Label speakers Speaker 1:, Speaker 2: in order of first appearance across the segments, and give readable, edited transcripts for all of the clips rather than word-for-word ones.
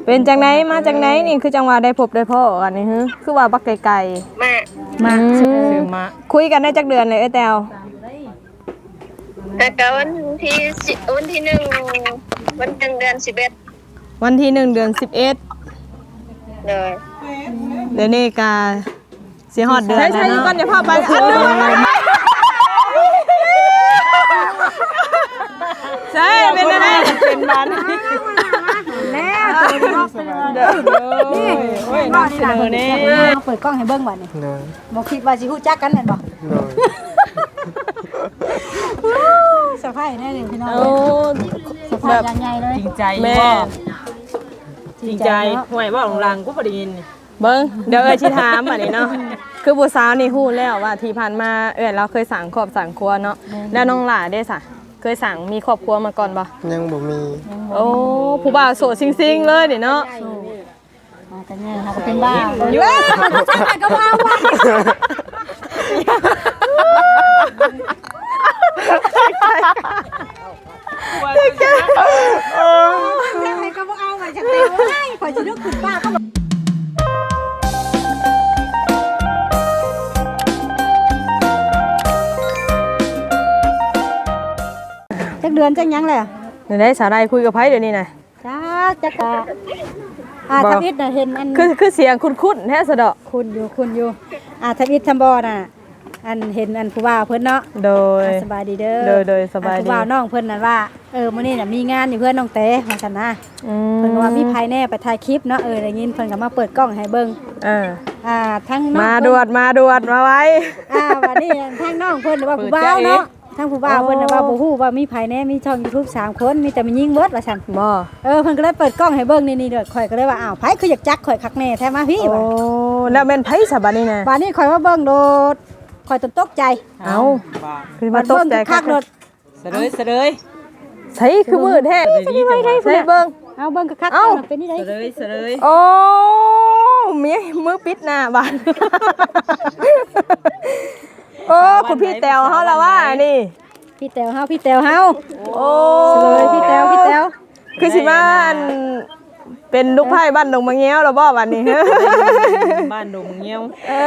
Speaker 1: เป็นจังไหนมาจังไหนนี่คือจังหวะได้พบได้พ่อกันนี่ฮึคือว่าบักไกล
Speaker 2: มา
Speaker 1: ซื้อมาคุยกันได้จักเดือนเลยแต้ว
Speaker 2: แต่ก็วันที่1วันเดือน11
Speaker 1: วันที่1 เดือน 11
Speaker 2: เลย
Speaker 1: เดี๋ยวนี้ก็สิฮอดเดือนแล้วเนาะใช่ๆก่อนอย่าพาไปอันนึงใช่เป็นอะไรเป็นบ้าน
Speaker 3: แล้วนี่โอ้ยน้องเสนอนี่เปิดกล้องให้เบิ่งบัดนี่บ่คิดว่าสิฮู้จักกันแม่นบ่สะพายแน่เลยพี่น้องสะพายใหญ่เลย
Speaker 4: จริงใจแม่จริงใจห่วยบ่ของรังกูบ่ได้ยิน
Speaker 1: เบิ่งเดี๋ยวสิถามบัดนี้เนาะคือผู้สาวนี่ฮู้แล้วว่าที่ผ่านมาเราเคยสั่งครอบสั่งครัวเนาะแล้วน้องหล่าได้ซะเคยสั่งมีครอบครัวมาก่อนบ่
Speaker 5: ยังบ่มี
Speaker 1: โอ้ผู้บ่าวโสดซิงๆเลยนี่เนาะ
Speaker 3: แต่เนี่ยค่ะเป็นบ้าอยู่จักก็ว่าก็บ่เอาไว้จักเต็มไว้ข่อยสินึกขึ้นป้าก็จักเดือนจักยังแหละ
Speaker 1: เดี๋ยวได้สาวใดคุยกับไผเดี๋ยวนี้น่ะ
Speaker 3: จักทวิตน่ะเห็นอัน
Speaker 1: คือเสียงคุ้นๆแท้ซะดอก
Speaker 3: คุณอยู่ทวิตทำบ่น่ะอันเห็นอันผู้บ่าวเพิ่นเนาะ
Speaker 1: โดย
Speaker 3: สบายดีเด้อ
Speaker 1: โดยสบายดี
Speaker 3: ผู้บ่าวน้องเพิ่นนั่นว่ามื้อนี้น่ะมีงานอยู่เพื่อนน้องเต้ว่าซั่นนะเพิ่นก็ว่ามีภายแน่ไปถ่ายคลิปเนาะได้ยินเพิ่นก็มาเปิดกล้องให้เบิ่งทั้งน้อง
Speaker 1: มาดวดมาไว้
Speaker 3: วันนี้ทั้งน้องเพิ่นว่าผู้บ่าวเนาะทั้งผู้บ่าวเพิ่นว่าบ่ฮู้ว่ามีภายแน่มีช่อง YouTube 3 คนมีแต่มันยิงเบิดว่าซั่น
Speaker 1: บ่
Speaker 3: เพิ่นก็เลยเปิดกล้องให้เบิ่งนี่เด้อข่อยก็เลยว่าอ้าวไผคืออยากจักข่อยคักแน่แท้มาพี่
Speaker 1: ว่าแล้วแม่นไผซะบัดนี้น่ะ
Speaker 3: บัดนี้ข่อยว่าเบิ่งโดดข่อยตกใจ
Speaker 1: คือมาตกใจ
Speaker 3: คักโดด
Speaker 4: เสลย
Speaker 1: ใช่คือมืดแท้ใช่เบิ่ง
Speaker 3: เอาเบิ่งคักเป็นนี่ได้
Speaker 4: เสลย
Speaker 1: โอ้มีมือปิดหน้าบานโอ้คุณพี่แต๋วเฮาละว่านี่
Speaker 3: พี่แต๋วเฮา
Speaker 1: โอ้
Speaker 3: เลยพี่แต๋ว
Speaker 1: คือสิมาเป็นลูกไผ่บ้านดงมะเงี้ยวหรอบ่บัดนี้
Speaker 4: บ้านดงมะเงี้ยว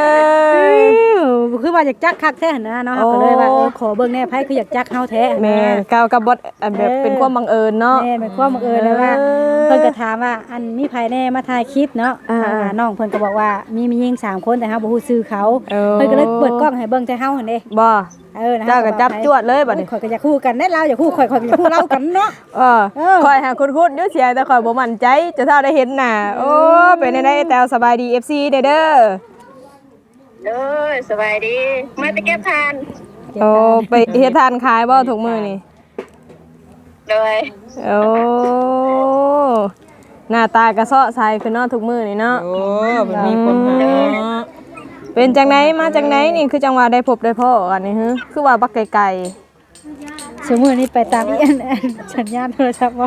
Speaker 3: คือว่าอยากจักคักแท้นะเนาะก็เลยว่าขอเบิ่งแน่ไผคืออยากจักเฮาแท้
Speaker 1: แม่กับบทแบบเป็นความบังเอิญเนาะ
Speaker 3: แม่เป็นความบังเอิญเลยว่าเพิ่นก็ถามว่าอันมีไผแน่มาถ่ายคลิปเนาะน้องเพิ่นก็บอกว่ามีหญิง3คนแต่เฮาบ่ฮู้ชื่อเขาเพิ่นก็เลยเปิดกล้องให้เบิ่งแต่เฮาหั่นเด้
Speaker 1: บ่เจ้าก็จับจวดเลยบัดนี้
Speaker 3: ข่อยก็อยากคู่กันแน่เราอยากคู่ข่อยก็อยากคู่เรากันเนาะ
Speaker 1: ข่อยหาคุ้นๆอยู่เสียแต่ข่อยบ่มั่นใจจะเท่าได้เห็นหน้าโอ้เป็นได้แต้วสบายดี FC เด้อ
Speaker 2: สบายดีมาแต่เก็บทาน
Speaker 1: โอ้ไปเฮ็ดทานขายบ่ทุกมื้อนี่
Speaker 2: เลย
Speaker 1: โอ้หน้าตากระเซาะใสคือเนาะทุกมื้อนี่เนาะ
Speaker 4: โอ้มันมีคนหา
Speaker 1: เป็นจังไหนมาจังไหนนี่คือจังหวะได้พบได้พ่อกันนี่ฮึคือว่าบักไกล
Speaker 3: ๆสมมื้อนี้ไปตามอีอันสัญญาณโทรศัพท์บ่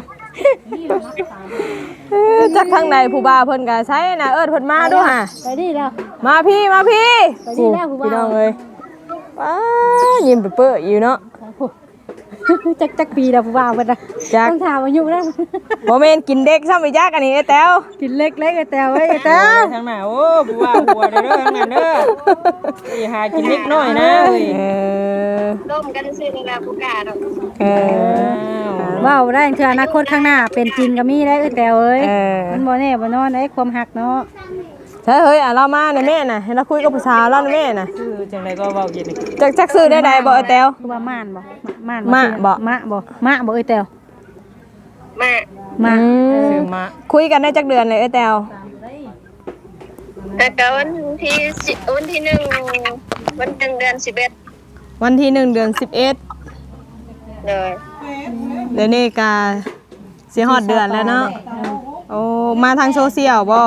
Speaker 1: จักทางใดผู้บ่าวเพิ่นก็ใช้น่ะเพิ่นมาดูห่า
Speaker 3: ไปดิแล้ว
Speaker 1: มาพี่
Speaker 3: ไปดิแล้วผู้บ่าว
Speaker 1: พี่น้องเอ้ยป้ายิ้มเปื้ออยู่เนาะ
Speaker 3: จักปีแล้วผู้บ่าวเพิ่นน่ะต้องถามอายุแล้ว
Speaker 1: บ่แม่นกินเด็กซ้ำอีจักอันนี้ไอ้แต้ว
Speaker 3: กินเล็กๆไอ้แต้วเอ้ยไอ้แต้ว
Speaker 4: ทางหน้าโอ้ผู้ว่าหัวเด้อทางนั้นเด้อสิหากินเล็กน้อยนะเอ้ย
Speaker 2: ร่วมกันซื้อนี่ล่ะผู้กล้าดอก
Speaker 3: ว้าวได้คืออนาคตข้างหน้าเป็นจริงก็มีได้แต้วเอ้ยมันบ่แน่บ่นอนได้ความฮักเนาะ
Speaker 1: ใช่เฮ้ยเรามาในแม่น่ะให้เราคุยกับผู้สาวเราในแม่น่ะ
Speaker 4: คือจังไดก็เว้าเย็น
Speaker 1: จักซื้อได้ใดบ่ไอ้แต้ว
Speaker 3: คือว่าม่านบ่
Speaker 1: มะ
Speaker 3: ไอ้แต้ว
Speaker 4: ซื้อมา
Speaker 1: คุยกันได้จักเดือนเลยไอ้แต้ว
Speaker 2: แต่ก็วันที่1วันเดือน11
Speaker 1: วันที่1 เดือน 11
Speaker 2: เลย
Speaker 1: เดี๋ยวนี้ก็สิฮอดเดือนแล้วเนาะโอ้มาทางโซเชียลบ่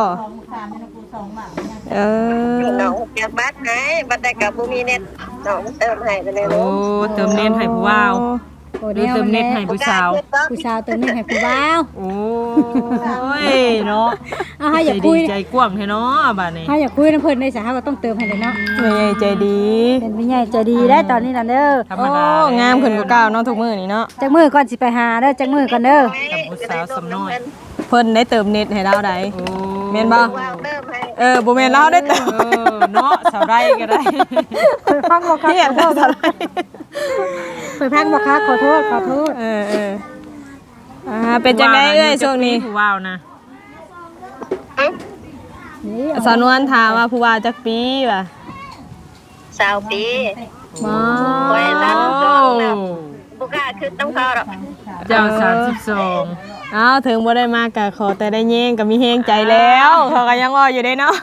Speaker 2: น้องอยากบัตรให้บัตรได้กับบ่มีเน็ตน้องเติมให้ไปเลย
Speaker 4: โอ้เติมเน็ตให้ผู้บ่าวเติมเน็ตให้ผู้สาว
Speaker 3: เติมเน็ตให้ผู้บ่าว
Speaker 4: โอ้ยเนาะ
Speaker 3: อยากคุย
Speaker 4: ใจกว้างแท้เนาะบัดนี้
Speaker 3: อยากคุยนำเพิ่นได้ซะเฮาก็ต้องเติมให้เลยเนาะ
Speaker 1: แม่ใหญ่ใจดี
Speaker 3: เป็นแม่ใหญ่ใจดีได้ตอนนี้น่ะเด้อ
Speaker 1: โอ้งามขึ้นกว่าเก่าเนาะทุกมื้อนี่เนาะ
Speaker 3: จักมื้อก่อนสิไปหาเด้อจักมื้อก่อนเด้อ
Speaker 4: ผู้สาวสำน้อย
Speaker 1: เพิ่นได้เติมเน็ตให้เราได้แม่นบ่
Speaker 2: วางเริ่มให้
Speaker 1: บ่แม่นเราได้เติม
Speaker 4: เนาะสาวได้ก็ได้
Speaker 3: เพิ่นฟังบ่คัก
Speaker 1: เฮียนเท่าไหร่
Speaker 3: เพิ่นฟังบ่คักขอโทษ
Speaker 1: เป็นจังได๋เอ้ยช่วงนี้
Speaker 4: ผู้ว่าวนะ
Speaker 3: นี่
Speaker 1: สาวนวลถามว่าผู้ว่าจักปีว่ะ
Speaker 2: 20 ปี
Speaker 1: บ่
Speaker 2: ไว้นั้นก็แบบบุกล้าคือต้องเขาหรอก
Speaker 4: เจ้า32
Speaker 1: อ้าวถึงบ่ได้มากก็ขอแต่ได้แย่งก็มีแฮงใจแล้วเขาก็ยังว่าอยู่เด้เนาะ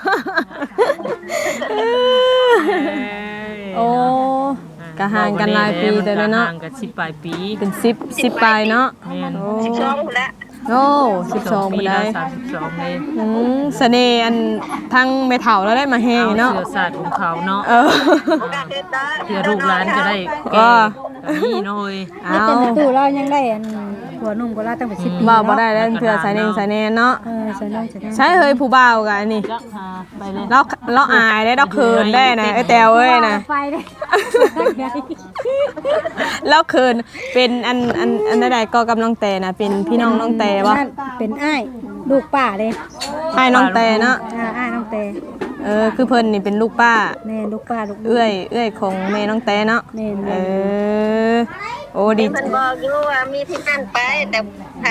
Speaker 1: โอ้ก็ห่างกันหลายปีแต่เนาะ
Speaker 4: ห่างกัน10ปลายปี
Speaker 1: เป็น10ปลายเนาะ
Speaker 4: แม่น
Speaker 2: 12แล้ว
Speaker 1: โอ้12
Speaker 4: ปี
Speaker 1: บ่
Speaker 4: แล้
Speaker 1: ได้
Speaker 4: ว32เลย
Speaker 1: เสน่ห์อันทั้งแม่เฒ่าแล้วได้มาแฮงเนาะ
Speaker 4: เสื้อสาดของเขาเนาะ
Speaker 2: บุกล้าคือตา
Speaker 4: เพื่อลูกหลานจะได้
Speaker 1: ก็
Speaker 4: แก่นี่น้อย
Speaker 1: เอา
Speaker 3: เป็นตู้เรายังได้อันหัวนุ่มก็เราตั้งแต่10 ปี
Speaker 1: บ่บ่ได้แล้วเพื่อสายเน่งสายแน่เนาะ
Speaker 3: ใส่น้องใส่น้อง
Speaker 1: ใช่เฮ้ยผู้บ่าวกันนี่
Speaker 4: จักหาไปเลย
Speaker 1: เราอายได้เราเขินได้นะไอ้แตวเอ้ยนะ
Speaker 3: ไปเด้
Speaker 1: เราเขินเป็นอันใดๆก็กำลังแต่นะเป็นพี่น้องน้องแต่วะ
Speaker 3: นั่นเป็นอ้ายลูกป้าเด้
Speaker 1: ให้น้องแต่เนาะ
Speaker 3: อ้ายน้องแต่
Speaker 1: คือเพิ่นนี่เป็นลูกป้า
Speaker 3: แม่ลูกป้าลูก
Speaker 1: เอื้อยของแม่น้องแต่เนาะ
Speaker 3: แม่
Speaker 1: โอ้ดี
Speaker 2: เพิ่นบอกอยู่ว่ามีที่นั่นไปแต่ไผ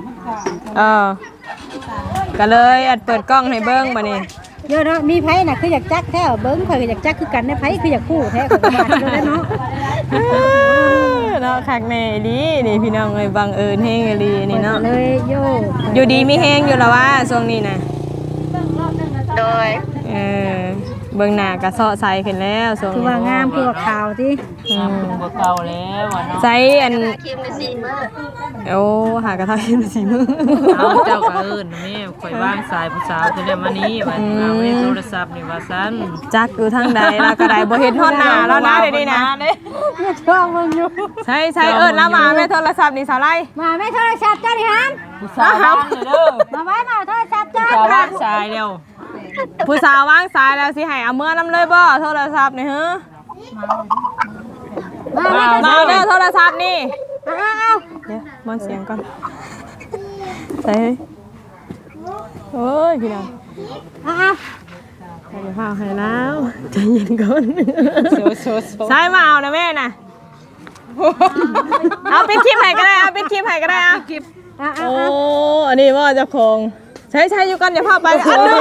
Speaker 1: ก็เลยอัดเปิดกล้องให้เบิ่งบัดนี้
Speaker 3: เยอะเนาะมีไผน่ะคืออยากจักแท้เบิ่งข่อยก็อยากจักคือกันได้ไผคืออยากคู่แท้ข่อยก็ว่าอยู่แล้วเนาะ
Speaker 1: เนาะคักแน่ดีนี่พี่น้องเอ้ยบังเอิญแฮงอีหลีนี่เนาะ
Speaker 3: เลยโย
Speaker 1: อยู่ดีมีแฮงอยู่แล้วว่าช่วงนี้นะ
Speaker 2: โดย
Speaker 1: เบิ่งหน้าก็เซาะใสขึ้นแล้วช่วง
Speaker 3: คือ
Speaker 1: นี้
Speaker 3: ว่างามคือว่าขาวติ
Speaker 4: งามขึ้นกว่าเก่าแล้วอะเนาะ
Speaker 1: ใช้อัน
Speaker 2: คิมในซีมื้อ
Speaker 1: โอ้หากระทะขึ้นมาสีมือ
Speaker 4: เอาเจ้าก็เอิ้นแม่ข่อยว่างสายผู้สาวคือได้มานี้ว่าเอาไว้โทรศัพท์นี่ว่าซั่น
Speaker 1: จักอยู่ทางใดแล้วก็ได้บ่เห็นฮอดหน้าแล้วนะเดี๋ยวนี้นะ
Speaker 3: ชอบมึงอยู่
Speaker 1: ใช่เอิ้นแล้วมาแม่โทรศัพท์นี่สาวไล่
Speaker 3: มาแม่โทรศัพท์เจ้าดิฮัน
Speaker 4: ผู้สาวว่างเด้อ
Speaker 3: มาไว้มาโทรศัพท์เจ้า
Speaker 4: ผู้สาวว่างสายเร็ว
Speaker 1: ผู้สาววางสายแล้วสิให้เอาเมื่อนํเลยบ่โทรศัพท์นี่ฮะ
Speaker 3: มาแม่
Speaker 1: มาเด้อโทรศัพท์นี่
Speaker 3: เอา
Speaker 1: เดี๋ยวมอนเสียงก่อนใส่โอ้ยพี่น้อง
Speaker 3: เอา
Speaker 1: ให้เดี๋ยวพาให้แล้วใจเย็นก่อน
Speaker 4: โซ
Speaker 1: ใช่มาเอานะแม่น่ะเอาปิดคลิปให้ก็ได้เอาปิดคลิปให้ก็ได้เอา โอ้อันนี้ว่าเจ้าของใช้อยู่กันอย่าพาไปอันนึง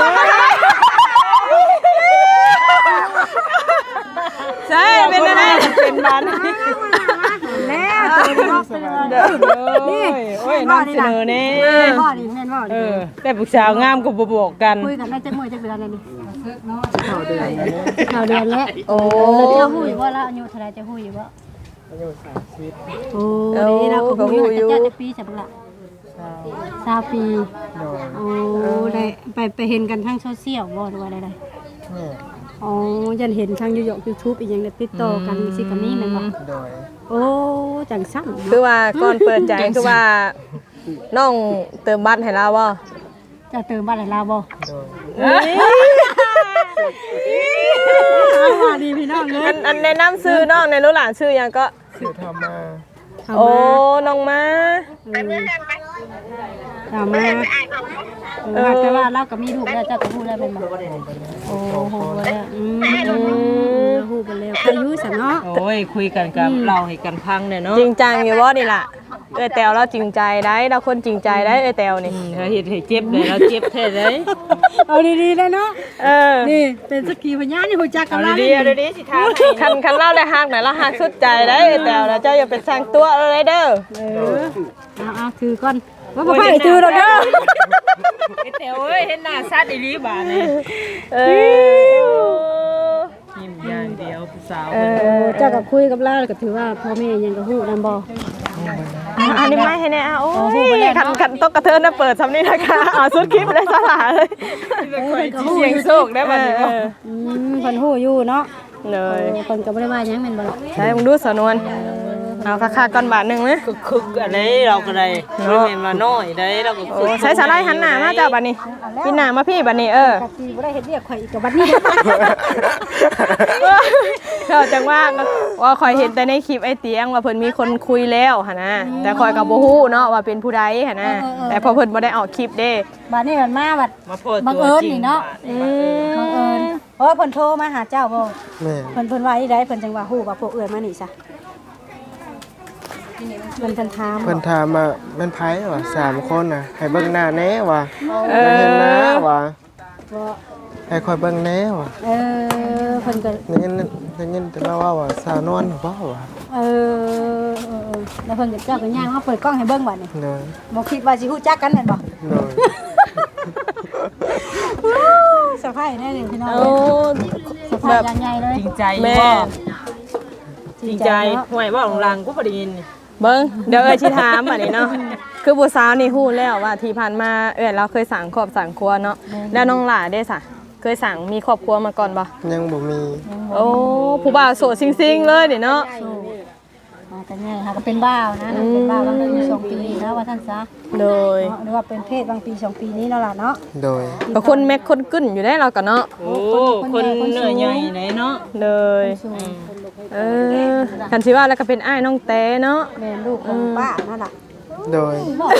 Speaker 1: ใช่เป็นอะไรเป็นบ้าน
Speaker 3: แล้วตัวบอกเป็นอะไร
Speaker 4: นี่โอ้ยนำเสนอแน่
Speaker 3: พ่อดิแม่นพ่อดิ
Speaker 4: แต่ผู้สาวงามก็บ่บอกกัน
Speaker 3: คุยกันได้จักมื้อจักเดือนแล้วนี่ข่าวเดือนแล้ว
Speaker 1: โอ้
Speaker 3: เจ้าฮู้อยู่บ่แล้วอายุเท่าไหร่จะฮู้อยู่บ่อายุ30โอ้นี่เราก็ฮู้อยู่จักปีใช่บ่ล่ะ20 ปีโอ้ได้ไปเห็นกันทางโซเชียลบ่หรือว่าใดๆอ๋อยันเห็นทาง YouTube อีกอย่างได้ติดต่อกันสิก็มีแม่นบ่โอ้จังซั่น
Speaker 1: คือว่าก่อนเปิดใจคือว่าน้องเติมบัตรให้เราบ่
Speaker 3: จะเติมบ้านให้เราบ่ว่าดีพี่น้องเอ้ย
Speaker 1: อันแนะนำซื้อน้องในรู้หลานชื่อยังก็โอ้น้องมา
Speaker 2: ไปเมื่อกันไป
Speaker 3: ถามมาแต่ว่าเราก็มีลูกแล้วเจ้าก็ฮู้แล้วแม่นบ่โอ้โหแล้วฮู้ไปแล้วอายุซะเนาะ
Speaker 4: โอ้ยคุยกันกับเราให้กันพังเนี่ยเนาะ
Speaker 1: จริงจังอยู่บ่นี่ล่ะแตวเราจริงใจได้เราคนจริงใจได้แตวนี่
Speaker 4: ถ้าเฮ็ดให้เจ็บเลยเราเจ็บแท้เลย
Speaker 3: เอาดีๆเลยเนาะ นี่เป็นสักขีพยานนี่ฮู้จักกั
Speaker 4: เอา
Speaker 3: นแล้ว
Speaker 4: ดีๆเอาดีๆสิทาให้
Speaker 1: คันเล่าได้ฮักไหนเราฮักสุดใจได้แตวแล้วเจ้าอย่าเป็นสร้างตัวอะไรเด้อ
Speaker 3: เอาถือก่อนว่าบ่ให้ถือดอกเด้อ
Speaker 4: ไอ้แต๋วเอ้ยเห็นหน้าซัดอีหลีบาดนี่ ยิ้มอย่างเดียวผู้สาว
Speaker 3: เจ้าก็คุยกับเราก็ถือว่าพ่อแม่ยังก็ฮู้นำบ่
Speaker 1: อันนี้ไม่ให้แน่โอ้ยคันตกกระเทินนะเปิดซ้ำนี่นะคะสุดคลิปเลยสลาเลย
Speaker 4: เสียงโชคได้บัดนี้บ่
Speaker 3: เพิ่นฮู้อยู่เนาะ
Speaker 1: เลย
Speaker 3: เพิ่นก็บ่ได้ว่าหยังแม่นบ่ล่ะ
Speaker 1: ใช่มึงดูสนวนเอาค่าๆก่อนบาทหนึงนะ
Speaker 4: คึกอันนี้เราก็ได้ไม่แม่นมาน้อยได้เราก็
Speaker 1: โอ้ใช้สาลายหันหน้ามาจ้าบัดนี้กินหน้ามาพี่บัดนี้
Speaker 3: กะสิบ่ได้เฮ็ดเรียกข่อยอีกกับบัดนี้
Speaker 1: เขาจังว่าคอยเห็นแต่ในคลิปไอ้เตียงว่าเพิ่นมีคนคุยแล้วหั่นนะแต่คอยก็บ่ฮู้เนาะว่าเป็นผู้ใดหั่นนะแต่พอเพิ่นบ่ได้ออกคลิปเด้
Speaker 3: บัดนี้มันมาบัด
Speaker 4: มาโพด
Speaker 3: บัง
Speaker 4: ตัว
Speaker 3: เอิญ
Speaker 4: จริง
Speaker 3: นี่เนาะ บังเอิญเพราะว่าเพิ่นโทรมาหาเจ้าบ่
Speaker 5: แม่
Speaker 3: เพิ่นว่าอีไดเพิ่นจังว่าฮู้ว่าพวกเอื้อยมานี่ซะเพิ่นถาม
Speaker 5: เพิ่นถามว่ามันไผวะ3คนน่ะให้เบิ่งหน้าแหน่วะ
Speaker 1: เอ
Speaker 5: เห็นหน้า
Speaker 1: อ
Speaker 5: วะ
Speaker 3: บ่
Speaker 5: ให้คอยเบิ่งแหน่วะ
Speaker 3: เพิ่นก็
Speaker 5: ได้ยินแต่ว่าสาวนวลบ่วะ
Speaker 3: แล้วเพิ่นก็เจ้าก็ย่างมาเปิดกล้องให้เบิ่งบัดนี่
Speaker 5: เนย
Speaker 3: บ่คิดว่าสิฮู้จักกันแม่นบ่
Speaker 5: เนย
Speaker 3: สะพายแน่เลยพี่น้อง
Speaker 1: โอ้
Speaker 3: สะพายอย่างใหญ่เลย
Speaker 4: จริงใจ
Speaker 1: แม่
Speaker 4: บ่จริงใจห่วยบ่หลังๆกูบ่ได้ยิน
Speaker 1: เบิ่งเดี๋ยวสิถามบัดนี้เนาะคือผู้สาวนี่ฮู้แล้วว่าที่ผ่านมาเราเคยสั่งครอบสั่งครัวเนาะแล้วน้องหล่าได้ซะเคยสั่งมีครอบครัวมาก่อนบ่
Speaker 5: ยังบ่มี
Speaker 1: โอ้ผู้บ่าวโสดซิงๆเลยนี่เนาะ
Speaker 3: มากันง่ายค่ะก็เป็นบ้าวนะเป็นบ้าวบางปี2ปีนะว่าท่านซะ
Speaker 1: โดย
Speaker 3: หรือว่าเป็นเพศบางปี2ปีนี้เนาะล่ะเนาะ
Speaker 5: โดย
Speaker 1: ก็คนแม็กคนกึ้นอยู่ได้เราก็เนาะ
Speaker 4: โอ้คนเหนื่อยใหญ่ไหนเนาะ
Speaker 1: เลยกันสิว่าแล้วก็เป็นอ้ายน้องแต้เนาะ
Speaker 3: แม่ลูกของป้านั่นล่ะ
Speaker 5: โดย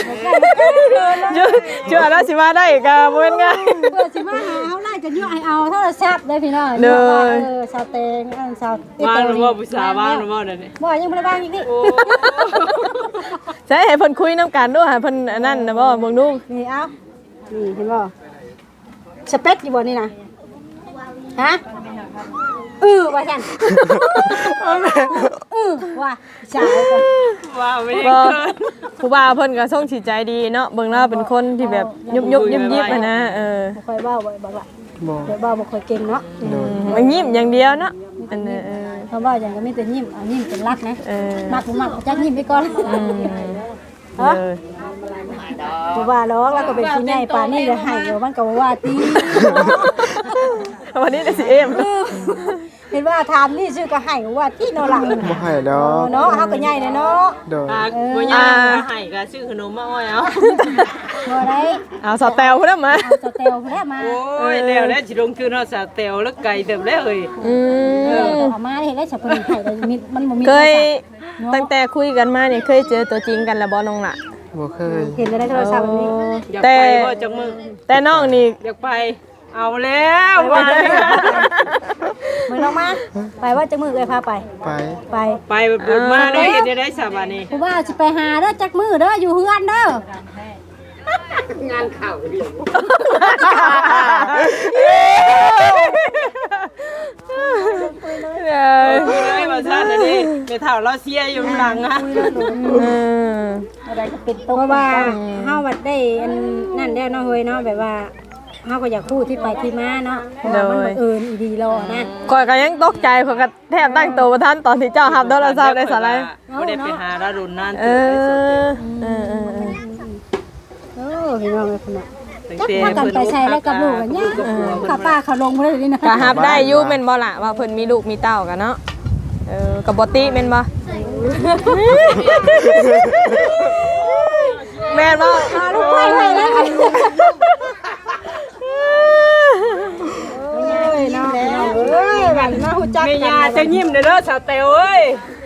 Speaker 1: ชื่อแล้วสิว่าได้ก็บ่เป็นไง
Speaker 3: เพื่อสิมาหาเฮาไล่กันอยู่ให้เอาโทรศัพท์ได้พี่น้องสาวเตงสาว
Speaker 4: ว่าหรือว่าผู้สาวว่าหรือว่าเดี๋ยวนี้
Speaker 3: บ่ยังบ่ได้บ้างอีกนี่
Speaker 1: ใช่ให้เพิ่นคุยน้ำกันด้วยให้เพิ่นอันนั่นนะบ่เบิ่งดู
Speaker 3: นี่เอานี่เห็นบ่สเปคอยู่บ่นี่นะฮะว่าฉันว่าสาวก็
Speaker 4: ว่าไม่ได้
Speaker 1: บ่
Speaker 4: เกิน
Speaker 1: ผู้บ่าวเพิ่นก็ส่งสิใจดีเนาะเบิ่งแล้วเป็นคนที่แบบยุบๆยิบๆอะนะ
Speaker 3: บ่ค่อยเว้าบ่บอกว่า
Speaker 5: บ่
Speaker 3: เดี๋ยวเว้าบ่ค่อยเก่งเนาะ
Speaker 1: มันยิ้มอย่างเดียวเนาะอันนี้
Speaker 3: เพราะว่าอย่างก็มีแต่ยิ้มยิ้มเป็นรักนะมักบ่มักจักยิ้มไปก่อนฮะบ่ว่าหรอกแล้วก็เป็นผู้ใหญ่ป่านนี้เลยให้เดี๋ยวมันก็บ่ว่าติ
Speaker 1: วันนี้ได้สิเอ็ม
Speaker 3: เห็นว่าถามนี่ชื่อก็ให้ว่าที่เนาะล่ะ
Speaker 5: บ่ให้ดอก
Speaker 3: เนาะเฮาก็ใหญ่เนาะ
Speaker 5: โดย
Speaker 4: บ่ยากมาให้ก็ซื้อขนมมาอ้อยเอา
Speaker 3: บ่ได้
Speaker 1: เอาสอดแตวพุ่นมา
Speaker 3: เอาสเตลแท้มา
Speaker 4: โอ้ยแล้วแล้วสิลงทุนเฮาสาวเตวแล้วไก่เติบแล้วเอ้ย
Speaker 3: เอามาเห็นแล้วฉันเพิ่นให้ได้มันบ่มี
Speaker 1: เคยตั้งแต่คุยกันมานี่เคยเจอตัวจริงกันแล้วบ่น้องล่ะ
Speaker 5: บ่เคย
Speaker 3: เห็นได้โทรศัพท์แบบนี้
Speaker 4: อยาก
Speaker 1: แต่
Speaker 4: ไปบ่จักมึง
Speaker 1: แต่น้องนี่
Speaker 4: อยากไปเอาแล้วว่าเลย
Speaker 3: มื้อน้องมาไปว่าจะมื้อเอ้ยพาไป
Speaker 5: ไป
Speaker 3: ไป
Speaker 4: ไปบุญมาได้เฮ็ดได้สาบานี่
Speaker 3: ผู้ว่าสิไปหาเด้อจักมื้อเด้ออยู่เฮือนเด้อ
Speaker 4: เลยว่าซั่นอันนี้ไปเฒ่าเราเสียอยู่หลังอ่ะ
Speaker 3: อะไรก็เป็นตรงเพราะว่าเฮาวัดได้อันนั่นแล้วเนาะเฮ้ยเนาะแบบว่าเฮาก็อยากพูดที่ไปที่มาเนาะเพราะว่ามันบังเอิญอีดีรอนะ
Speaker 1: ข่อยก็ยังตกใจข่อยก็แทบตั้งตัวบ่ทันตอนที่เจ้ารับโทรศัพท์ได้สาระ
Speaker 4: บ่ได้ไปหาเราดุนนั่น
Speaker 3: โอ้พี่น้องเอ้ยพุ่นน่ะ
Speaker 4: ตั้ง
Speaker 3: จัก
Speaker 4: แต่
Speaker 3: พากันไปใช้แล้วกับลูกกันเนี่ยข้าป้าเขาลงบ่ได้เลยนะ
Speaker 1: ก็รับได้อยู่แม่นบ่ล่ะว่าเพิ่นมีลูกมีเต้ากันเนาะก็บ่ติแม่นบ่แม่นบ่
Speaker 3: ลูกไปให้แล้วเอ้ยเนาะเอ้ยบัดมาฮู้จัก
Speaker 4: แม่
Speaker 3: กัน
Speaker 4: ยาจะยิ้มเด้อสาวเตวเอ้ย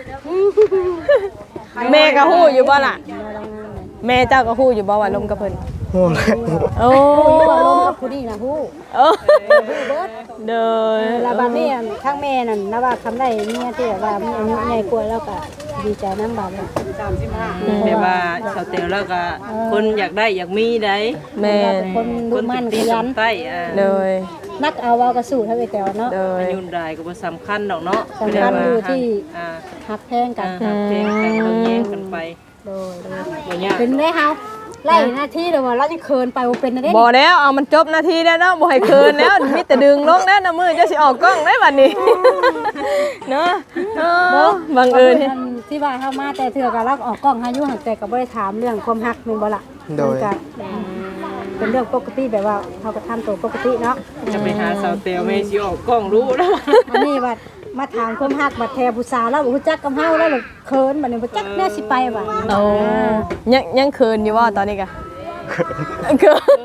Speaker 1: แม่ก็ฮู้อยู่บ่ล่ะแม่เจ้าก็ฮู้อยู่บ่ว่าลมกับเพิ่น
Speaker 5: โอ้แล้ว
Speaker 1: โอ้
Speaker 3: ว่าลงกับผู้นี้นะฮู้
Speaker 1: โอ้เด้อ
Speaker 3: แล้วบัดนี้ข้างแม่นั่นนะว่าคำได้เมียที่แบบว่ามีอายุใหญ่กว่าแล้วก็ดีใจนำบัดนี้
Speaker 4: แบบว่าสาวเตวแล้วก็คนอยากได้อยากมีได้
Speaker 1: แม่
Speaker 3: คนดูมั่นขยัน
Speaker 4: ใต้
Speaker 1: เลย
Speaker 3: นักเอาเว้ากระสู้เท่าไอ้แต่เนาะ
Speaker 1: เล
Speaker 4: อาย ยุได้ก็บ่สำคัญดอกเนาะ
Speaker 3: สำคัญอยู่ที่
Speaker 4: อ่า
Speaker 3: หักแพงกัน
Speaker 4: เพลงกันเพิ่งแย่งกันไป
Speaker 3: โดย
Speaker 4: บ่ยาก
Speaker 3: เป็นได้เฮาไล่หน้าที่เดี๋ยวว่าเราจะเคินไปว่าเป็นได้
Speaker 1: บ่แล้วเอามันจบนาทีแล้วเนาะบ่ให้เคินแล้วมีแต่ดึงลงแล้วนะมือจะสิออกกล้องได้บัดนี้เนาะบังเอิญ
Speaker 3: ที่ว่าเฮามาแต่เถื่อก็รับออกกล้องหาอยู่หักแต่ก็บ่ได้ถามเรื่องความฮักแม่นบ่ล่ะ
Speaker 5: โดย
Speaker 3: เป็นเรื่องปกติแบบว่าเฮาก็ทำตัวปกติเนาะ
Speaker 4: จะไปหาสาวเตวแม่สิออกกล้องรู้แล้ว
Speaker 3: อันนี้ว่ามาถามความฮักบัดแทผู้สาวแล้วบ่ฮู้จักกับเฮาแล้วเขินบัดนี้บ่จักแน่สิไปบัด
Speaker 1: โอ้ยังเคินอยู่ว่าตอนนี้กะเคิน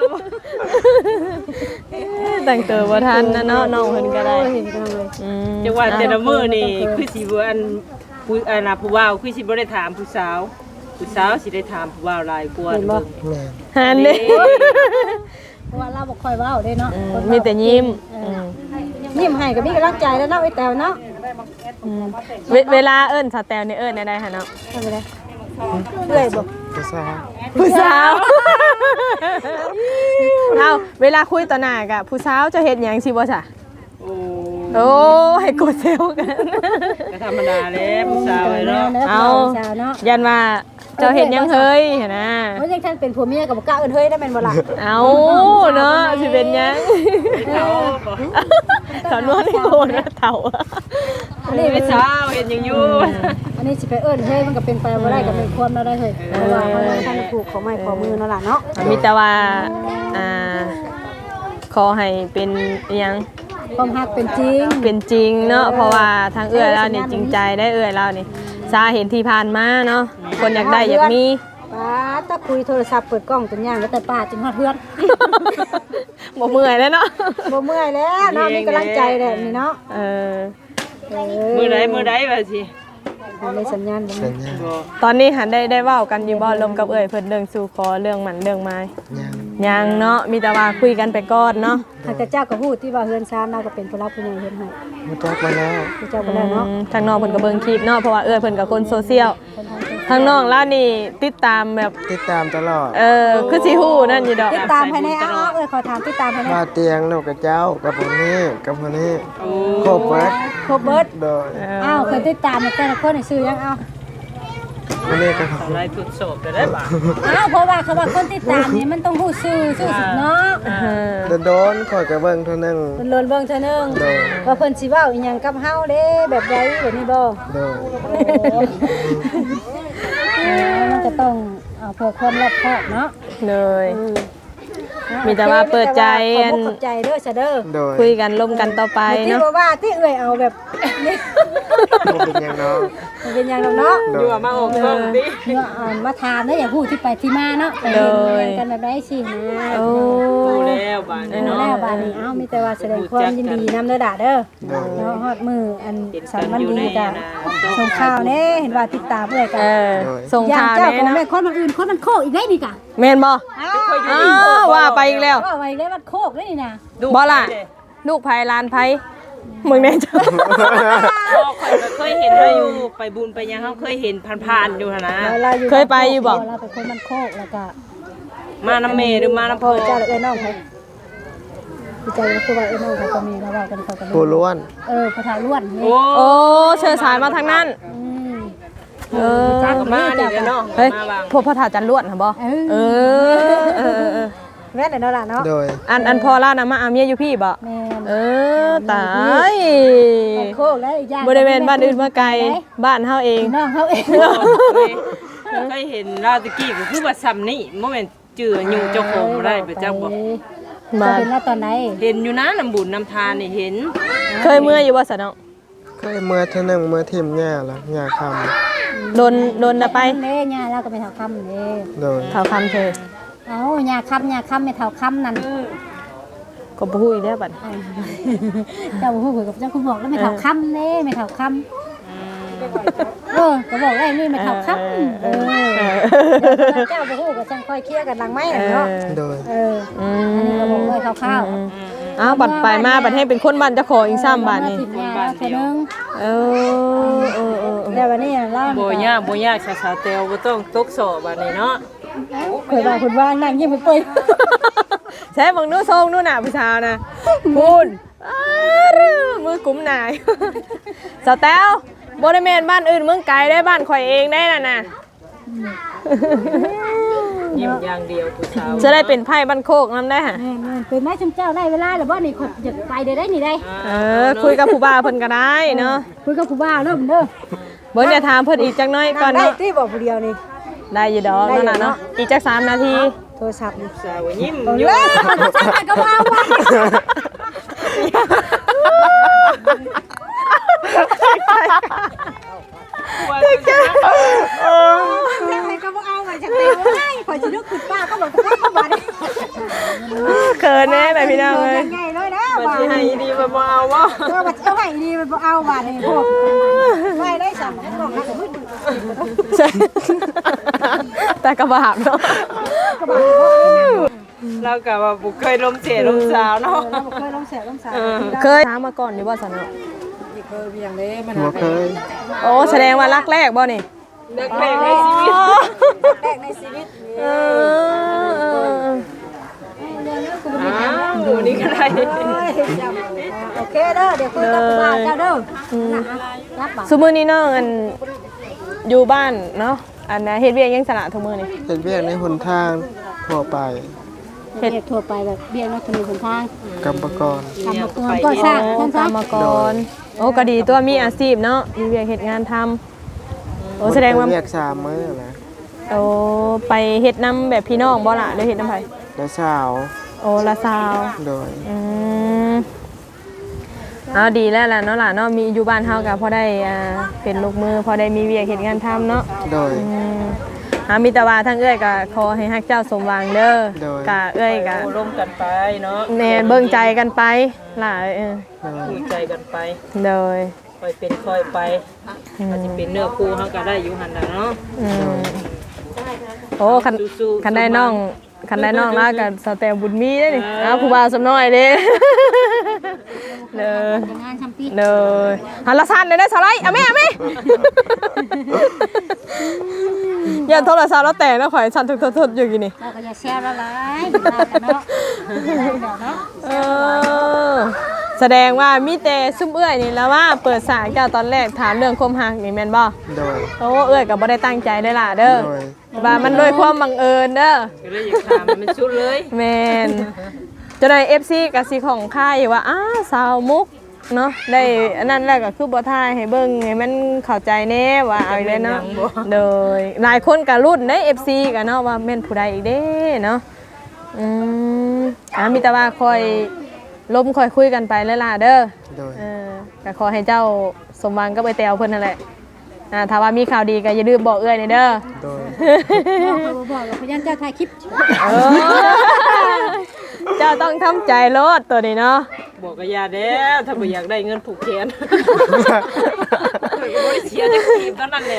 Speaker 1: แต่งตัวบ่ทันนะเนาะน้องเพิ่นก็ได้
Speaker 3: เห็นกันเลย
Speaker 4: จังว่าแต่ละมื้อนี่คือสิบ่อันผู้น่ะผู้ว่าวคือสิบ่ได้ถามผู้สาวสิได้ถามผู้ว่าวหลายกว่าเบิ่ง
Speaker 5: แม่
Speaker 1: หันเด้
Speaker 3: เพราะว่าเราบ่ค่อยเว้าเด้เนาะ
Speaker 1: มีแต่ยิ้ม
Speaker 3: ยิ้มให้ก็มีกำลังใจแล้วเนาะไอ้แตวเนาะ
Speaker 1: เวลาเอิ้นสแตลนี่เอิ้นได้หั่นเนาะ
Speaker 3: ทำไปเลยเอื้อยบ่
Speaker 5: ก็ทราบ
Speaker 1: ผู้สาว เอาเวลาคุยต่อหน้ากะผู้สาวจะเฮ็ดหยังสิบ่ซะ
Speaker 4: โอ้
Speaker 1: โอ้ให้กดเซลกัน
Speaker 4: ก็ธรรมดาแหละผู้สาวเนาะ
Speaker 1: เอา
Speaker 3: สาวเนาะ
Speaker 1: ยันว่าเจ้าเฮ็ดหยังเฮ้ยหั่นนะ
Speaker 3: เพราะยังท่านเป็นผัวเมียก็บ่กล้าเอิ้นเฮ้ยได้แม่นบ่ล่ะ
Speaker 1: เอาเนาะสิเป็นหยัง
Speaker 4: เขาบ่
Speaker 1: สาวนวลให้โกนนะเฒ่า
Speaker 3: อันนี้
Speaker 4: ผู้สาวเห็นหยังอยู่
Speaker 3: อันนี้สิไปเอิ้นเฮ้ยมันก็เป็นไปบ่ได้ก็เป็นความเราได้เฮ้ยเพราะว่ามันท่านผูกของไม้ของมือเนาะล่ะเนาะ
Speaker 1: มีแต่ว่าอ่าขอให้เป็นอิหยัง
Speaker 3: ความฮักเป็นจริง
Speaker 1: เป็นจริงเนาะเพราะว่าทางเอื้อยเรานี่จริงใจได้เอื้อยเรานี่ซาเห็นที่ผ่านมาเนาะคนอยากได้อยากมี
Speaker 3: ป้าถ้าคุยโทรศัพท์เปิดกล้องจนย่างแล้วแต่ป้าจนฮอดเฮือน
Speaker 1: บ่เมื่อยแล้วเนาะ
Speaker 3: บ่เมื่อยแล้วเนาะมีกำลังใจแหละนี่เนาะ
Speaker 1: เออ
Speaker 4: มื้อใดว่าสิ
Speaker 3: ในสัญญาณบ่
Speaker 5: สั
Speaker 3: มี
Speaker 5: ญญาณ
Speaker 4: บ่
Speaker 1: ตอนนี้หันได้เว้ากันอยู่บ่ลมกับเอื้อยเพิ่นเรื่องสู่ขอเรื่องหมันเรื่องไม้
Speaker 5: ยัง
Speaker 1: ยังเนาะมีแต่ว่าคุยกันไปก่อนเนาะ
Speaker 3: หากแต่เจ้าก็ฮู้ที่ว่าเฮือนซานเราก็เป็นผู้รับผู้ใหญ่เฮ็ดให้
Speaker 5: รู้จักมาแล้ว
Speaker 3: ผู้เจ้าก็แล้วเนาะ
Speaker 1: ทางน้องเพิ่นก็เบิ่งคลิปเนาะเพราะว่าเอื้อยเพิ่นก็คนโซเชียล
Speaker 3: คนทาง
Speaker 1: ทางน้องล่านี่ติดตามแบบ
Speaker 5: ติดตามตลอด
Speaker 1: คือสิฮู้นั่นอยู่ดอก
Speaker 3: ติดตามภายในขอถามติดตามภายใน
Speaker 5: ว่าเตียงลูกกับเจ้ากับคนนี้กับคนนี้
Speaker 4: โอ้
Speaker 5: ครบเบิด
Speaker 3: ครบเบิด
Speaker 5: โดย
Speaker 3: อ้าวเคยติดตามแต่ละคนชื่อยังเอา
Speaker 5: คนนี้ก็
Speaker 4: อะไรทดสอบได้บ่
Speaker 3: อ้าวเพราะว่าเขาว่าคนติดตามนี่มันต้องฮู้ชื่อสุดเนาะ
Speaker 5: โดนข่อยกับเบิ่งเท่านึง
Speaker 3: เพิ่นเลินเบิ่งเทื่อนึง
Speaker 5: โดย
Speaker 3: ว่าเพิ่นสิเว้าอีหยังกับเฮาเด้แบบใดแบบนี้บ่
Speaker 5: โดย
Speaker 3: มันก็ต้องเอาเพื่อความรอบคอบเนาะ
Speaker 1: เลย มีแต่ว่าเปิดใจ
Speaker 3: ขอบใจเด้อซะเด้อ
Speaker 5: โดย
Speaker 1: คุยกันร่วมกันต่อไป
Speaker 3: ที่
Speaker 1: เนาะ
Speaker 3: ว่าที่เอื้อยเอาแบบนี้
Speaker 5: บ่เป็นหยังเนาะ
Speaker 3: มันเป็นหยังดอกเนาะ
Speaker 5: โด
Speaker 4: อยู่
Speaker 5: ย
Speaker 4: มาออกกล้องดิ
Speaker 3: เนาะมาถามได้อย่างผู้ที่ไปที่มาเนาะไปเห็นกันแบบได้สินะ
Speaker 1: โอ้
Speaker 4: โอ้แล้วบาดนี้เนาะ
Speaker 3: แล้วบาดนี้เอ้ามีแต่ว่าแสดงความยินดีนำเด้อด่าเด้อ
Speaker 5: โดย
Speaker 3: เนาะฮอดมืออันสารมันดีจ้ะส่งข่าวแน่เห็นว่าติดตามเอื้อยกั
Speaker 1: เอน อส่ง
Speaker 3: อย่าง
Speaker 1: ข่าว
Speaker 3: เจ้า
Speaker 1: แน่
Speaker 3: ของ
Speaker 1: เนาะ
Speaker 3: แม่คนอื่นคนมันโคกอีกได้นี่กะ
Speaker 1: แม่นบ่อ้าวว่าไปอีกแล้ว
Speaker 3: ว่าไว้ได้มันโคกได้นี่นะ
Speaker 1: บ่ล่ะลูกไผหลานไผมึงแน่จ้ะ
Speaker 4: พ่อข่อยก็เคยเห็นเราอยู่ไปบุญไปหยังเขาเคยเห็นผ่านๆอยู่หั่นนะ
Speaker 1: เคยไปอยู่บ่
Speaker 3: เราเป็นคนมันโคกแล้วก็
Speaker 4: มาน้ำเมหรือมาน้ำ
Speaker 3: พ่
Speaker 4: พ่
Speaker 3: อ
Speaker 4: อ
Speaker 3: เจ้าเอ้ยน้องไผพี่เจ้าคือว่าเอ้ยน้องไผก็มีแล้วว่ากันเขาก็มี
Speaker 5: ผู้ล้วน
Speaker 3: พระธาล้วนนี่
Speaker 4: โอ้
Speaker 1: โอ้เชิญสายมาทางนั้น เออ
Speaker 4: จ้าก็มานี่เนาะ
Speaker 1: เฮ้ย
Speaker 4: มาบาง
Speaker 1: พวกพ่อถาจันลวดค่ะบ่เออ
Speaker 3: แม่นเนาะล่ะเนาะ
Speaker 5: โดย
Speaker 1: อันพอล่านะมาอาเมียอยู่พี่บ่
Speaker 3: แม่น
Speaker 1: เออตาย
Speaker 3: โคกแล้วอีกอย่าง
Speaker 1: บริเวณบ้านอื่นมาไกลบ้านเฮาเอง
Speaker 3: น้องเขาเอง
Speaker 4: เคยเห็นลาวตะกี้ก็คือว่าซ้ำนี่บ่แม่นจื้ออยู่เจ้าของบ่ได้ไปจักบ่
Speaker 3: จะเป็นว่าตอนไหน
Speaker 4: เห็นอยู่นะน้ำบุญน้ำทานนี่เห็น
Speaker 1: เคยเมื่ออยู่บ่สะเนาะ
Speaker 5: เคยเมื่อเท่านึงเมื่อทิมหญ้าละหญ้าค
Speaker 1: โดนน่ะไป
Speaker 3: เด้ย่าเราก็ไม่เท่าคำเด้
Speaker 5: ำโดย
Speaker 1: เท่าคำเธอ
Speaker 3: เอาย่าคำไม่เท่าคำนั่น
Speaker 1: ก็บ่ฮู้อีกแล้วบัด
Speaker 3: เจ้าผู้คุยกับเจ้าคุณบอกแล้วไม่เท่าคำเด้ไม่เท่าคำก็บอกได้นี่ไม่เท่าคำเจ้าผู้กับจังค่อยเคลียร์กันหลังไม้เนาะ
Speaker 5: โดย
Speaker 3: อันนี้ก็บอกเลยคร่าว
Speaker 1: อ้าวบัดไปมาบัดให้เป็นคนบ้านเจ้าของอีก3บาทนี่
Speaker 3: ถิ่นยาเท่านึง
Speaker 1: เออ
Speaker 3: แต่วันนี้ล่า
Speaker 4: บ่ยากสาวๆแตวบ่ต้องตกสอบบัดนี้เนาะ
Speaker 3: เคยบอกคุณว่านั่งยิ้มไปเปื่อย
Speaker 1: ใช้บังนู้ทรงนู้นน่ะผู้ชาวนะคุณมือกุมหนายสาวแต้วบ่ได้แม่นบ้านอื่นเมืองไกลได้บ้านข่อยเองได้น่ะ
Speaker 4: ยิ้มอย่างเดียวผู้สาว
Speaker 1: จะได้เป็นไพ่บ้านโคกนำได้ฮะ
Speaker 3: เป็นไม้ชมเจ้าได้เวลาหรือว่านี่คนอยากไปได้นี่ได้
Speaker 1: คุยกับผู้บ่าวเพิ่นก็ได้เนาะ
Speaker 3: คุยกับผู้บ่าวเริ่มเด้อ
Speaker 1: เบิ่งเดี๋ยวถามเพิ่นอีกจักหน่อยก่อน
Speaker 3: ได้
Speaker 1: เนาะ
Speaker 3: ที่บอกผู้เดียวนี่
Speaker 1: ได้อยู่ดอกนั่นน่ะเนาะอีกจัก3นาที
Speaker 3: โทรศัพท์นี่
Speaker 4: สาวยิ้ม
Speaker 3: เอา
Speaker 4: อยู่
Speaker 3: เลยก็ว่าใครก็บ่เอาไว้จังได๋ว้ายข่อยสินึกขึ้นป้าก็บอกว่าบ่ได้
Speaker 1: เขินแน่แบบพี่น้องเลย
Speaker 3: ใหญ่เลยนะ
Speaker 4: มัน
Speaker 3: ว่า
Speaker 4: สิให้ดีมันบ่เอาบ่
Speaker 3: ว่าเจ้าให้ดีมันบ่เอาว่านี่พวกไว้ได้สั่นมันบอกนะก็มึง
Speaker 1: ใช่แต่กระบาดเนาะ
Speaker 4: เราก็ว่าบ่เคยลมเสียลมสาวเนาะ
Speaker 3: เราบ่เคยลงแสบลงสาย
Speaker 1: เคยถามมาก่อนนี่ว่าสันเนาะ
Speaker 5: หัวเคย
Speaker 1: โอ้แสดงว่ารักแรกบ่นี่
Speaker 4: เด็กแรกในชีวิต
Speaker 3: แรกในชีวิต
Speaker 1: เออ
Speaker 4: ดูนี่ก็ได้
Speaker 3: โอเคเด้อเดี๋ยวคุยกับป้าเจ้าเด้อรับบ่
Speaker 1: ซุมื้อนี้น้องอันอยู่บ้านเนาะอันนะเฮ็ดเวียกยังสละทุกมื้อนี่
Speaker 5: เป็นเวียกในหนทางทั่วไป
Speaker 3: เฮ็ดทั่วไปแบบเบี้ยนอกถนนหนทาง
Speaker 5: กรรมกร
Speaker 3: ทำมาก่อนก็สร้างนั่นซะ
Speaker 1: ตามมาก่อนโอ้ก็ดีตัวมีอาชีพเนาะมีเวียกเฮ็ดงานทำโอ้แสดงว่า
Speaker 5: เวียก3มื้อนะ
Speaker 1: โอ้ไปเฮ็ดน้ำแบบพี่น้องบ่ล่ะหรือเฮ็ดน้ำไผ
Speaker 5: และสาว
Speaker 1: โอ้ละสาว
Speaker 5: โดย
Speaker 1: เอาดีแล้วล่ะเนาะล่ะเนาะมีอยู่บ้านเฮาก็พอได้เป็นลูกมือพอได้มีเวียกเฮ็ดงานทำเนาะ
Speaker 5: โดย
Speaker 1: มีแต่ว่าทั้งเอ้ยก็ขอให้ฮักเจ้าสมหวังเด้อ
Speaker 5: โดย
Speaker 1: กะเอ้ยก็
Speaker 4: โอ้ร่วมกันไปเนาะ
Speaker 1: แน่เบิ่งใจกันไปล่ะ
Speaker 5: โดย
Speaker 4: คุยใจกันไป
Speaker 1: โดย
Speaker 4: ค่อยเป็นค่อยไปอาจจะเป็นเนื้อคู่เขาก็ได้อยู่หันน่ะเนาะ
Speaker 1: โอ้คัน
Speaker 4: สู้ๆ
Speaker 1: คันได้น้องแล้วก็สแตมบุญมีเด้นี่ผู้บ่าวสำน้อยเด้เลย
Speaker 3: งานทำปี
Speaker 1: เลยหันละสั่นเลยนะสไลด์เอาแม่อย่าโทรศัพท์แล้วแต่นะข่อยสั่นทุกๆอยู่กี่นี่
Speaker 3: เราก็อย่าแชร์ละลายเนาะเนาะ
Speaker 1: แสดงว่ามีแต่ซุ่มเอื้อยนี่แล้วว่าเปิดสายเจ้าตอนแรกถามเรื่องความหักนี่แม่นบ่
Speaker 5: โดย
Speaker 1: โอ้เอื้อยก็บ่ได้ตั้งใจได้อล่ะเด้อ
Speaker 5: โดย
Speaker 1: ว่ามันโดยความบังเอิญเด้อ
Speaker 4: ก็เลยอยากถามมันชุดเลย
Speaker 1: แม่นจนใน FC ก็สิของค่ายว่าสาวมุกเนาะได้อันนั้นแล้วก็คือบ่ทายให้เบิ่งให้มันเข้าใจแน่ว่าเอาอีกแล้วเนาะโดยหลายคนก็รุ่นใน FC ก็เนาะว่าแม่นผู้ใดอีกเด้เนาะมีแต่ว่าคอยล้มคอยคุยกันไปแล้วล่ะเด้อ
Speaker 5: โดย
Speaker 1: ก็ขอให้เจ้าสมหวังก็ไปแตวเพิ่นนั่นแหละถ้าว่ามีข่าวดีก็อย่าลืมบอกเอื้อยนี่เด้อ
Speaker 5: โดย
Speaker 3: บอกกับพยันเจ้าถ่ายคลิป
Speaker 1: เจ้าต้องทำใจโลดตัวนี้เนาะ
Speaker 4: บอกกับยาเด้อถ้าบ่อยากได้เงินผูกแขนบ่ได้เสียจักทีมเท่านั้นแล้ว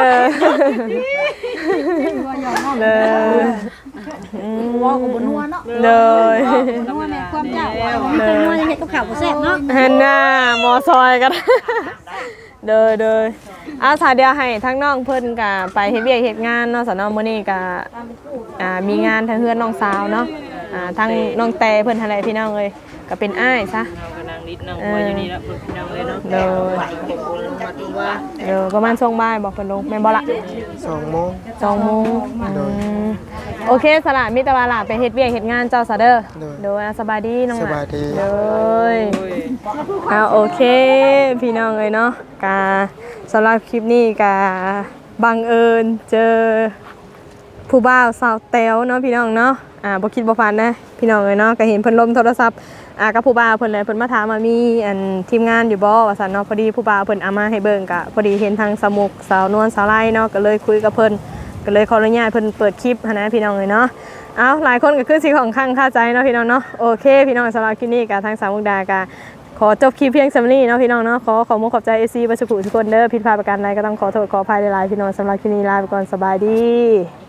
Speaker 3: ว่ากับบนัวเนาะ
Speaker 1: เลย
Speaker 3: นัวแม่ความเจ้าเป็นนัวยังเห็ดกับข้าวแซ่บเนาะ
Speaker 1: ฮันน่าหมอซอยกันเลยอาสาเดียวให้ทั้งน้องเพิ่นกับไปเฮ็ดเวียกเฮ็ดงานเนาะสนมื้อนี้ก็มีงานทางเฮือนน้องสาวเนาะทางน้องแต่เพิ่นหั่นแหละพี่น้องเอ้ยก็เป็นอ้ายซะ
Speaker 4: เราก็นั่งนิดนั่งหัวอยู่นี่แล้วเพิ่นพี่น้องเลยเนาะ
Speaker 1: เลย
Speaker 4: ขอบคุณลงมาดูว่า
Speaker 1: ประมาณช่วงบ่ายบอกเพิ่นลงแม่นบ่ล่ะ
Speaker 5: 2 โมง
Speaker 1: 2 โมง
Speaker 5: โดย
Speaker 1: โอเคสละมีแต่ว่าล่ะไปเฮ็ดเวียกเฮ็ดงานเจ้าซะเด้อ
Speaker 5: โดย
Speaker 1: โดยสบายดีน้อง
Speaker 5: ส
Speaker 1: ล่ะ
Speaker 5: บายดี
Speaker 1: เลย
Speaker 4: โอ้ย
Speaker 1: โอเคพี่น้องเลยเนาะกาสำหรับคลิปนี้กาบังเอิญเจอผู้บ่าวสาวแต๋วเนาะพี่น้องเนาะบ่คิดบ่ฝันนะพี่น้องเลยเนาะก็เห็นเพิ่นลมโทรศัพท์กับผู้บ่าวเพิ่นเลยเพิ่นมาถามว่ามีอันทีมงานอยู่บ่ว่าซั่นเนาะพอดีผู้บ่าวเพิ่นเอามาให้เบิ่งก็พอดีเห็นทางสมุกสาวนวลสาวไร่เนาะก็เลยคุยกับเพิ่นก็เลยขออนุญาตเพิ่นเปิดคลิปหั้นนะพี่น้องเลยเนาะเอาหลายคนก็คือสิของข้างคาใจเนาะพี่น้องเนาะโอเคพี่น้องสำหรับคลิปนี้ก็ทางสาวมุกดาก็ขอจบคลิปเพียงสำนี้เนาะพี่น้องเนาะขอมุกขอบใจ AC บัสกุทุกคนเด้อผิดพลาดประการใดก็ต้องขอโทษขออภัยหลายๆพี่น้องสำหรับคลิปนี้ลาไปก่อนสบายดี